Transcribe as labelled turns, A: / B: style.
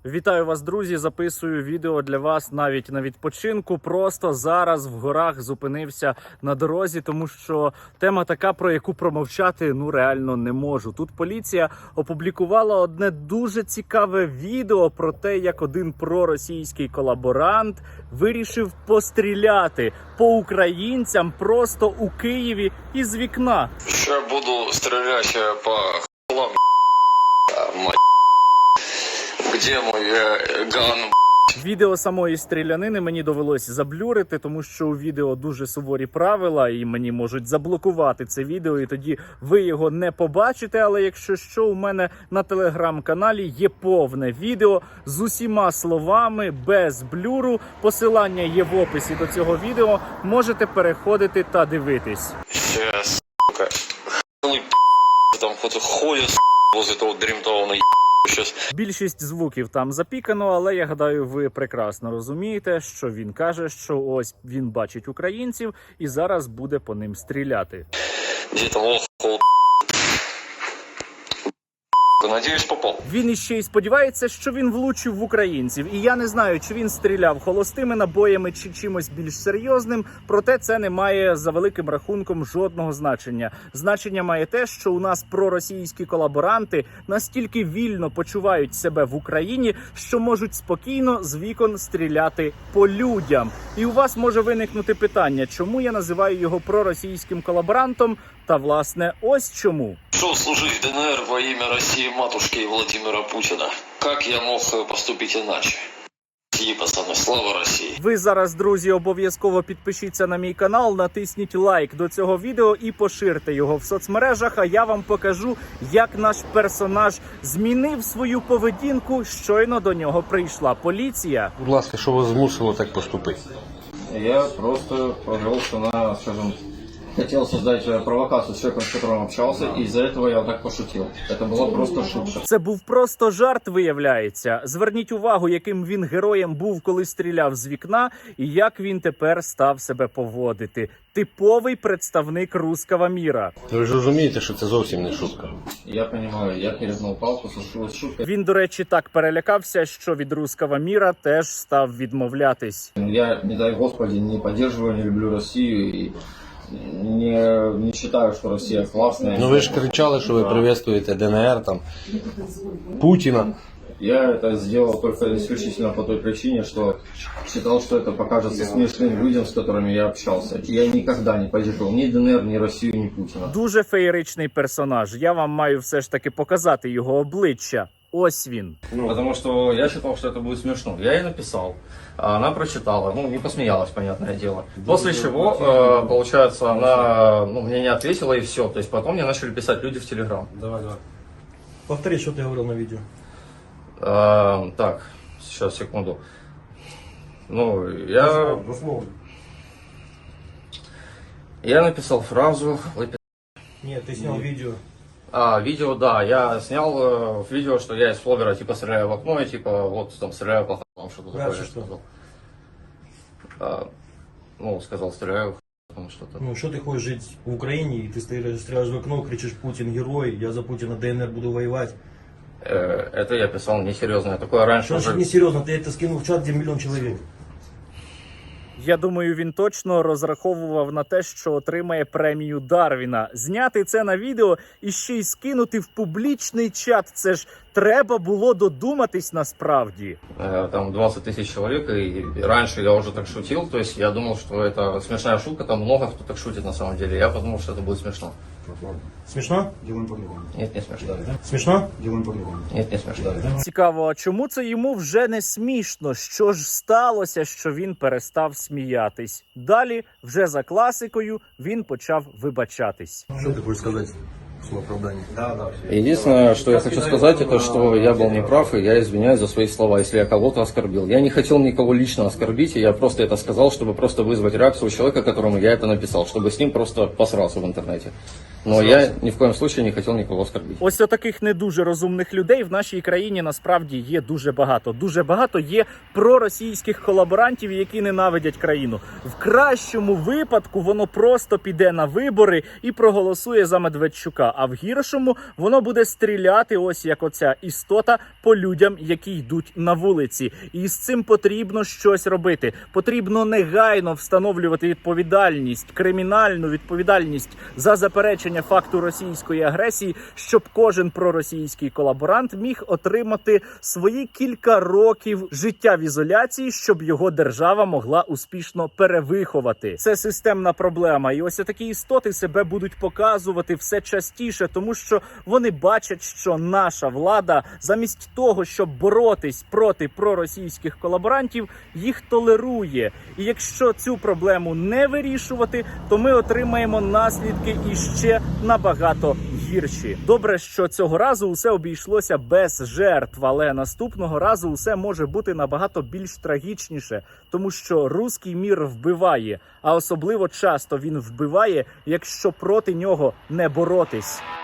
A: Вітаю вас, друзі! Записую відео для вас навіть на відпочинку. Просто зараз в горах зупинився на дорозі, тому що тема така, про яку промовчати реально не можу. Тут поліція опублікувала одне дуже цікаве відео про те, як один проросійський колаборант вирішив постріляти по українцям просто у Києві із вікна.
B: Ще буду стріляти по хлам, мать. Где мой ган?
A: Відео самої стрілянини мені довелось заблюрити, тому що у відео дуже суворі правила, і мені можуть заблокувати це відео, і тоді ви його не побачите. Але якщо що, у мене на телеграм-каналі є повне відео з усіма словами, без блюру. Посилання є в описі до цього відео, можете переходити та дивитись.
B: Сейчас, сука, там кто-то ходит возле того дремтового Щас.
A: Більшість звуків там запікано, але я гадаю, ви прекрасно розумієте, що він каже, що ось він бачить українців і зараз буде по ним стріляти.
B: Где-то лох, надіюсь, попав.
A: Він іще й сподівається, що він влучив в українців. І я не знаю, чи він стріляв холостими набоями, чи чимось більш серйозним. Проте це не має за великим рахунком жодного значення. Значення має те, що у нас проросійські колаборанти настільки вільно почувають себе в Україні, що можуть спокійно з вікон стріляти по людям. І у вас може виникнути питання, чому я називаю його проросійським колаборантом? Та, власне, ось чому.
B: Шел служить в ДНР во имя России матушки Владимира Путина. Как я мог поступить иначе? Пацаны, слава Росії!
A: Ви зараз, друзі, обов'язково підпишіться на мій канал, натисніть лайк до цього відео і поширте його в соцмережах, а я вам покажу, як наш персонаж змінив свою поведінку, щойно до нього прийшла поліція.
C: Будь ласка, що вас змусило так поступити?
D: Я просто повелся на, скажем, хотел создать провокацию с человеком, с которым общался, и из-за этого я вот так пошутил. Это была просто шутка.
A: Це був просто жарт, виявляється. Зверніть увагу, яким він героєм був, коли стріляв з вікна, і як він тепер став себе поводити. Типовий представник русского міра.
C: Ви ж розумієте, що це зовсім не шутка.
D: Я понимаю, я перегнул палку, случилась шутка.
A: Він, до речі, так перелякався, що від русского міра теж став відмовлятись.
D: Я, не дай Господи, не поддерживаю, не люблю Россию и не считаю, что Россия классная.
C: Ну ви ж кричали, що ви приветствуєте ДНР, там, Путіна.
D: Я это сделал только исключительно по той причине, что считал, что это покажется смешным людям, с которыми я общался. Я никогда не поддерживал ни ДНР, ни Россию, ни Путина.
A: Дуже феєричний персонаж. Я вам маю все ж таки показати його обличчя. Ось він.
D: Потому что я считал, что это будет смешно. Я ей написал, она прочитала, не посмеялась, понятное дело. После чего, получается, она мне не ответила и все. То есть потом мне начали писать люди в Телеграм.
E: Давай. Повтори, что ты говорил на видео.
D: Так, сейчас, секунду. Я написал фразу.
E: Нет, ты снял видео.
D: Видео, да, я снял видео, что я из фловера типа стреляю в окно и типа вот там стреляю по х**ам, что-то такое.
E: Дальше что?
D: Сказал стреляю в что-то.
E: Что ты хочешь жить в Украине, и ты стреляешь в окно, кричишь: Путин герой, я за Путина ДНР буду воевать.
D: Это я писал несерьезно, я такое раньше
E: Что
D: уже...
E: значит несерьезно, ты это скинул в чат, где 1 миллион человек.
A: Я думаю, він точно розраховував на те, що отримає премію Дарвіна. Зняти це на відео і ще й скинути в публічний чат. Це ж треба було додуматись насправді.
D: Там 20 тысяч человек, и раньше я уже так шутил, то есть я думал, что это смешная шутка, там много кто так шутит на самом деле, я подумал, что это будет смешно.
E: Смешно?
D: Нет, не смешно.
E: Смешно?
D: Нет, не смешно.
A: Цікаво, а чому це йому вже не смішно? Що ж сталося, що він перестав сміятись? Далі, вже за класикою, він почав вибачатись.
E: Что ты хочешь сказать в свое оправдание?
D: Единственное, что я хочу сказать, это что я был неправ, и я извиняюсь за свои слова, если я кого-то оскорбил. Я не хотел никого лично оскорбить, и я просто это сказал, чтобы просто вызвать реакцию у человека, которому я это написал, чтобы с ним просто посрался в интернете. Но я ни в коем случае не хотел никого оскорбить.
A: Ось таких не дуже розумних людей в нашій країні насправді є дуже багато. Дуже багато є проросійських колаборантів, які ненавидять країну. В кращому випадку воно просто піде на вибори і проголосує за Медведчука. а в гіршому воно буде стріляти, ось як оця істота, по людям, які йдуть на вулиці. І з цим потрібно щось робити. Потрібно негайно встановлювати відповідальність, кримінальну відповідальність за заперечення факту російської агресії, щоб кожен проросійський колаборант міг отримати свої кілька років життя в ізоляції, щоб його держава могла успішно перевиховати. Це системна проблема. І ось такі істоти себе будуть показувати все частіше, тому що вони бачать, що наша влада замість того, щоб боротись проти проросійських колаборантів, їх толерує. І якщо цю проблему не вирішувати, то ми отримаємо наслідки іще набагато гірші. Добре, що цього разу усе обійшлося без жертв, але наступного разу усе може бути набагато більш трагічніше, тому що руський мір вбиває, а особливо часто він вбиває, якщо проти нього не боротись.